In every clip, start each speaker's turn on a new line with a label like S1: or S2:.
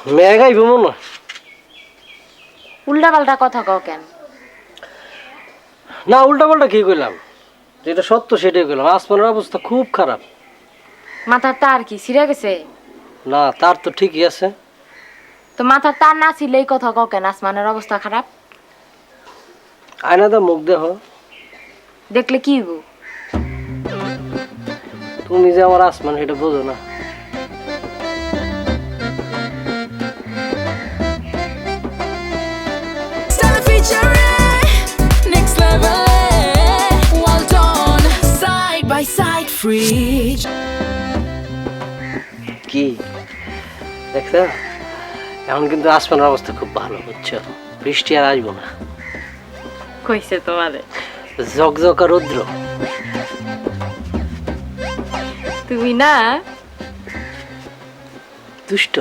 S1: মেঘাই ভ্রমণ না।
S2: উল্টা পাল্টা কথা কও কেন?
S1: না উল্টা পাল্টা কি কইলাম, যেটা সত্য সেটাই কইলাম। আসমানের অবস্থা খুব খারাপ।
S2: মাথার তার কি ছিঁড়ে গেছে?
S1: না তার তো ঠিকই আছে।
S2: তো মাথার তার না ছিল এই কথা কও কেন আসমানের অবস্থা খারাপ?
S1: আয়না দা মুখ দেহ।
S2: দেখলে কি হইব?
S1: তুমি যে আমার আসমান সেটা বোঝো না।
S3: Next level, well done, side by side, free.
S1: কি দেখছো, এখন কিন্তু আসমানের অবস্থা খুব ভালো, বুঝছো? বৃষ্টি আর আসবো না।
S2: কইছে তোমারে?
S1: ঝকঝকা রৌদ্র।
S2: তুমি না
S1: দুষ্ট।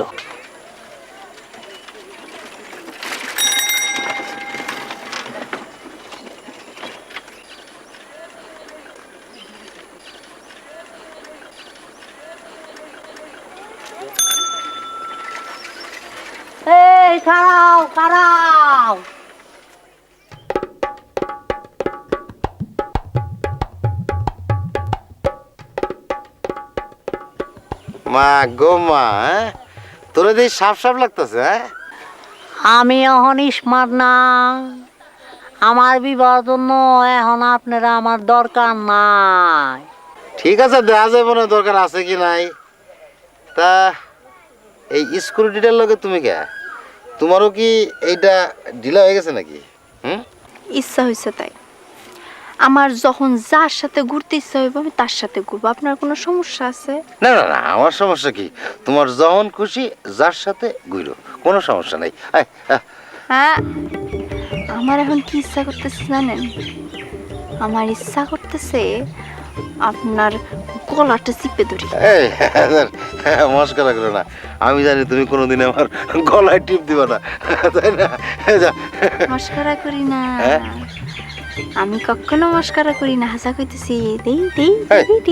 S4: এই খাড়াও খাড়াও।
S5: মা গো মা, তোরে দেখি সাপ সাপ লাগতেছে। হ্যাঁ,
S4: আমি এখন স্মার্ট না, আমার বিবাহ জন্য এখন আপনারা আমার দরকার নাই।
S5: ঠিক আছে, দেখা যাবে না দরকার আছে কি নাই। তা এই স্কুটিটার লগে তুমি কে, তোমারও কি এইটা ঢিলা হয়ে গেছে নাকি? হুম,
S6: ইচ্ছা হয়েছে তাই। আমার যখন যার সাথে ঘুরতে ইচ্ছা হইব আমি তার সাথে ঘুরবো। আপনার কোনো সমস্যা আছে?
S5: না না না, আমার সমস্যা কি? তোমার যখন খুশি যার সাথে ঘুরো, কোনো সমস্যা নাই।
S6: হ্যাঁ, আমার এখন কি ইচ্ছা করতেছে জানেন? আমার ইচ্ছা করতেছে আপনার গলাটা চিপে ধরি।
S5: এই মস্করা করো না, আমি জানি তুমি কোনোদিন আমার গলায় টিপ দিবা না, তাই না? যা।
S6: মস্করা করি না,
S5: হ্যাঁ?
S6: আমি কখনো মস্করা করি না, হাসা কইতেছি। দেই দেই
S5: এই,
S6: দেই।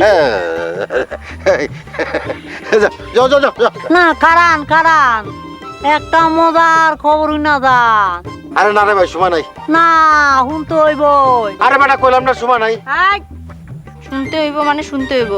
S5: যাও যাও যাও যাও।
S4: না কারান কারান, একটা মজার খবর না যান।
S5: আরে না রে ভাই, সময় নাই।
S4: না শুনতে হইবই।
S5: আরে বেটা কইলাম না সময় নাই।
S6: শুনতে হইব মানে শুনতে হইব।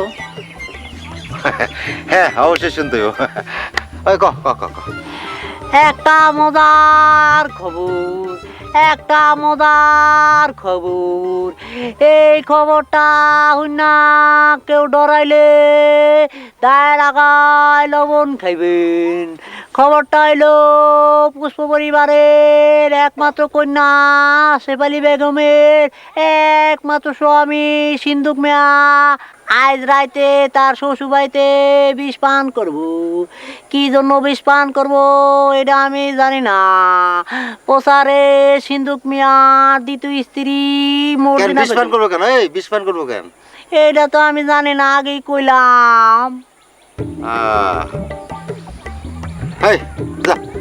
S5: হ্যাঁ অবশ্যই শুনতে হইব। ওই ক ক ক ক।
S4: একটা মজার খবর, একটা মজার খবর। এই খবরটা হইনা কেউ ডরাইলে দায়ের আগায় লবণ খাইবেন। খবরটা হইল পুষ্প পরিবারের একমাত্র কন্যা শেফালি বেগমের একমাত্র স্বামী সিন্ধুক মিয়া আজ রাইতে তার শ্বশুর বাড়িতে বিষ পান করবো। কি জন্য বিষ পান করবো এটা আমি জানি না। প্রচারে সিন্ধুক মিয়ার দ্বিতীয় স্ত্রী
S5: কেন বিষ পান করবো কেন? এই বিষ পান করবো কেন?
S4: এটা তো আমি জানি না, আগেই কইলাম।
S5: এই যা